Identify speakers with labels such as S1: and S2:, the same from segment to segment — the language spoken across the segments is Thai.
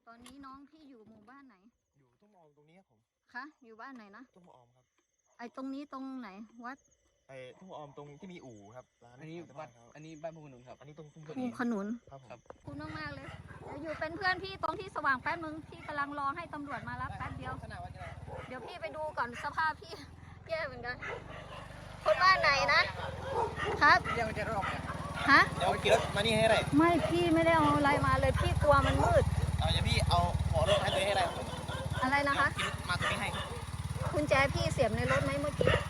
S1: ตอนนี้น้องพี่อยู่หมู่บ้านไหน
S2: อยู่ตุ้มออมตรงนี้ครับผม
S1: คะอยู่บ้านไหนนะ
S2: ตุ้มออมครับ
S1: ไอตรงนี้ตรงไหนวัด
S2: ตุ้มออมตรงที่มีอู่ครับร้าน
S3: อันนี้วัดอันนี้บ้านภูขนุนครับ
S2: อันนี้ตรงตุ้ม
S1: ภูขนุน
S2: ครับผม
S1: คุณมากๆเลยเดี๋ยวอยู่เป็นเพื่อนพี่ตรงที่สว่างแป๊บนึงพี่กำลังรอให้ตำรวจมารับแป๊บเดียวเดี๋ยวพี่ไปดูก่อนสภาพพี่แย่เหมือนกันคนบ้านไหนนะครับ
S3: เดี๋ยวจะรอบ
S1: ฮะ
S2: เดี๋ยวขี่รถมานี่ให้ไร
S1: ไม่พี่ไม่ได้เอาอะไรมาเลยพี่กลัวมันมืด
S2: เดี๋ยวพี่เอาขอรถให้ตัวให้ไร
S1: อะไรนะคะ
S2: ขี่รถมาตัวนี้ให้
S1: คุณแจพี่เสียบในรถไหมเมื่อกี้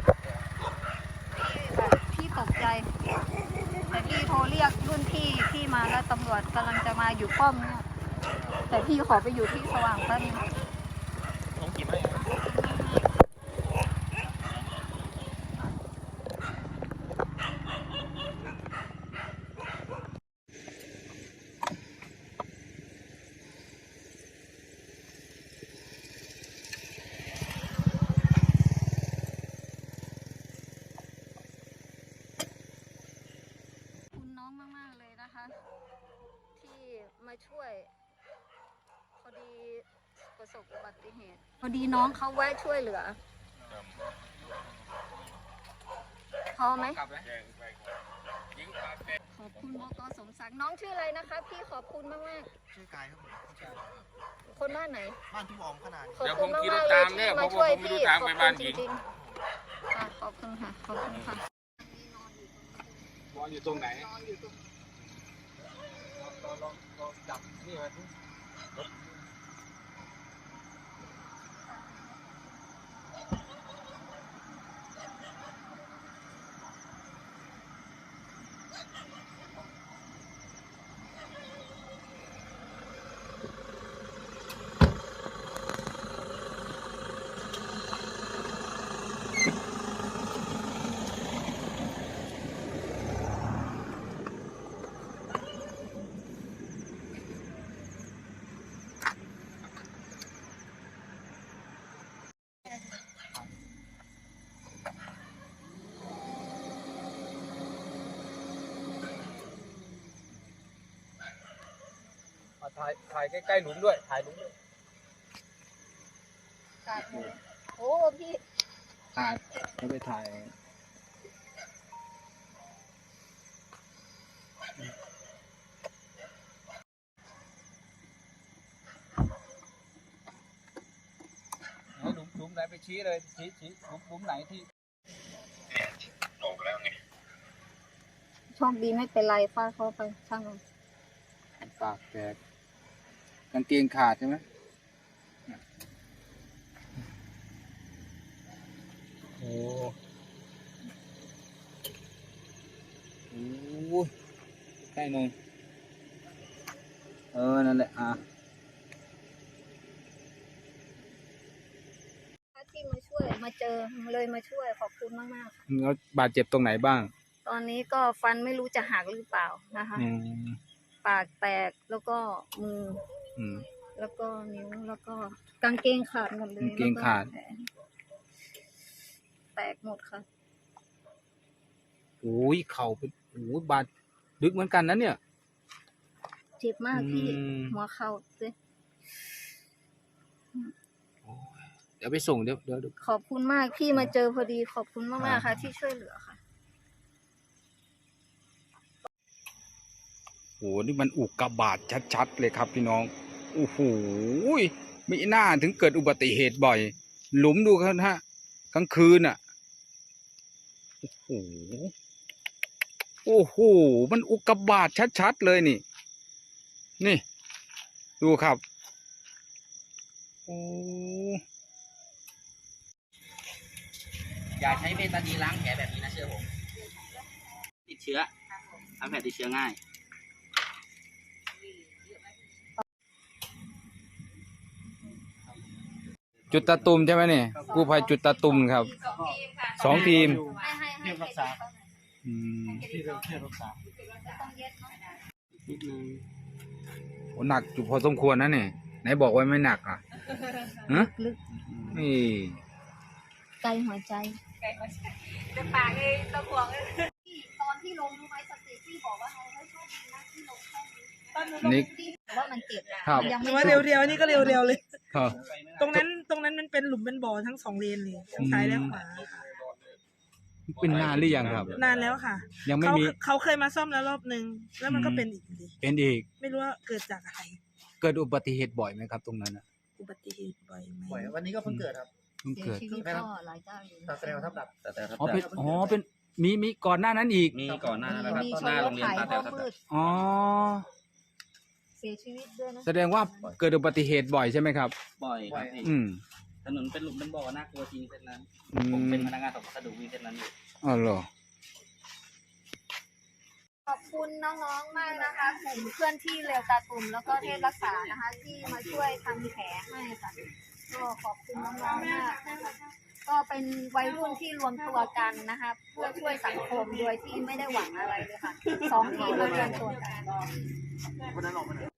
S1: พี่ตกใจแต่พี่โทรเรียกรุ่นพี่มาแล้วตำรวจกำลังจะมาอยู่ป้อมเนี่ยแต่พี่ขอไปอยู่ที่สว่างแป๊บนึง
S2: ผมขี่ไม่
S1: มากๆเลยนะคะที่มาช่วยพอดีประสบอุบัติเหตุพอดีน้องเขาแวะช่วยเหลือพอไหมขอบคุณบก.สมศักดิ์น้องชื่ออะไรนะคะพี่ขอบคุณมาก
S2: ๆชื่อกายครับผม
S1: คนบ้านไหน
S2: บ้านตุ้มออมขนาด
S1: ขอบคุณมากๆเลยที่มาช่วยพี่ขอบคุณจริงๆขอบคุณค่ะขอบคุณค่ะ
S3: นอนอยู่ตรงไหนลองจับนี่มาที่ถ่ายใกล้ๆหลุมด้วยถ่ายหลุมด้วย
S1: โอ้พี่
S3: ถ่ายไม่ไปถ่ายหลุมไหนไปชี้เลยชี้หลุมไหนที่
S2: ลงแล้วไง
S1: โชคดีไม่เป็นไรฟาดเขาไปช่างมัน
S3: ปากแตกกางเกงขาดใช่ไหมโอ้โหใกล้หน่อยนั่นแหละ
S1: ที่มาช่วยมาเจอเลยมาช่วยขอบคุณมากๆค่ะ
S3: แล้วบาดเจ็บตรงไหนบ้าง
S1: ตอนนี้ก็ฟันไม่รู้จะหักหรือเปล่านะคะปากแตกแล้วก็มือแล้วก็นิ้วแล้วก็กางเกงขาดหมดเลย
S3: กางเกงขาด
S1: แตกหมดค่ะ
S3: โอ้ยเข่าเป็นโอ้ยบาดลึกเหมือนกันนะเนี่ย
S1: เจ็บมากพี่หัวเข่าเลย
S3: เดี๋ยวไปส่งเดี๋ยว
S1: ขอบคุณมากพี่มาเจอพอดีขอบคุณมากๆค่ะที่ช่วยเหลือค่ะ
S3: โหนี่มันอุกกาบาตชัดๆเลยครับพี่น้องโอ้โหไม่น่าถึงเกิดอุบัติเหตุบ่อยหลุมดูครับฮะกลางคืนอ่ะโอ้โหมันอุกกาบาตชัดๆเลยนี่ดูครับโอ้
S4: อย่าใช้เบตาดีนล้างแผลแบบนี้นะเชื่อผมติดเชื้อทำแผลติดเชื้อง่าย
S3: จุดตะตุ่มใช่ไหมเนี่ยกู้ภัยจุดตะตุ่มครับ2 ทีม
S2: เทียบรักษาที่เทียบรักษา
S3: นิดนึงโอ้หนักอยู่พอสมควรนะเนี่ยไหนบอกว่าไม่หนักอ่ะ
S1: ลึก
S3: นี่
S1: ไกลหัวใจแต่ปากเองตะขวงเลยตอนที่ลงรู้ไหมสติที่บอกว่าเราไม่โชคดีนะที่ลงแค่นี้
S3: นี่
S1: แต่ว่ามันเจ็บ
S3: ครับ
S1: มันยัง
S5: ห
S1: ไม่
S5: รือว่าเร็วๆนี่ก็เร็วๆเลย
S3: ครับ
S5: ตรงนั้นมันเป็นหลุมเป็นบ่อทั้ง2 เลนเลยทั้งซ้ายและขวา
S3: เป็นนานหรือยังครับ
S5: นานแล้วค่ะ
S3: ยังไม่
S5: เขา
S3: มี
S5: เขาเคยมาซ่อมแล้วรอบนึงแล้วมันก็เป็นอีกดี
S3: เป็นอีก
S5: ไม่รู้ว่าเกิดจากอะไร
S3: เกิดอุบัติเหตุบ่อยไหมครับ ตรงนั้นน่ะ
S5: อุบัติเหตุบ่อยไหม
S2: ป่วยวันนี้ก็เพิ่งเกิดครับ
S3: เพิ่ง
S1: เสีย
S3: เกิด
S1: ชีวิตก็หลายเจ้าอยู่
S2: ตัดแสดงว่าทับดับ
S3: อ๋อเป็นมีก่อนหน้านั้นอีก
S4: มีก่อนหน้านั้นแล้วครับ
S1: มีช
S4: ห
S1: น
S4: น้าร โร
S1: ถ
S4: งเรีย
S1: ไถ
S4: นตา
S1: เพ
S4: แต๋ว
S1: ราะ
S4: ทับ
S1: มืด
S3: อ๋อ
S1: เสียชีวิตด้วยนะ
S3: แสดงว่าเกิดอุบัติเหตุบ่อยใช่ไหมครับ
S4: บ่อยครับพี่
S3: อืม
S4: ถนนเป็นหลุมเป็นบ่อน่ากลัวจริงเส้นนั้น
S3: อื
S4: ผม
S3: ม
S4: เป็นพนักงานส่งพัสดุวิ่งเส้นนั้นอยู่
S3: อ๋อเหรอ
S1: ขอบคุณน้องๆมากนะคะกลุ่มเพื่อนที่เร็วตาตุ่มแล้วก็เทพรักษานะคะ ที่มาช่วยทำแผลให้ค่ะก็ขอบคุณน้องๆมากนะคะก็เป็นวัยรุ่นที่รวมตัวกันนะคะเพื่อช่วยสังคมโดยที่ไม่ได้หวังอะไรเลยค่ะ2 ทีมมารวมตัวกัน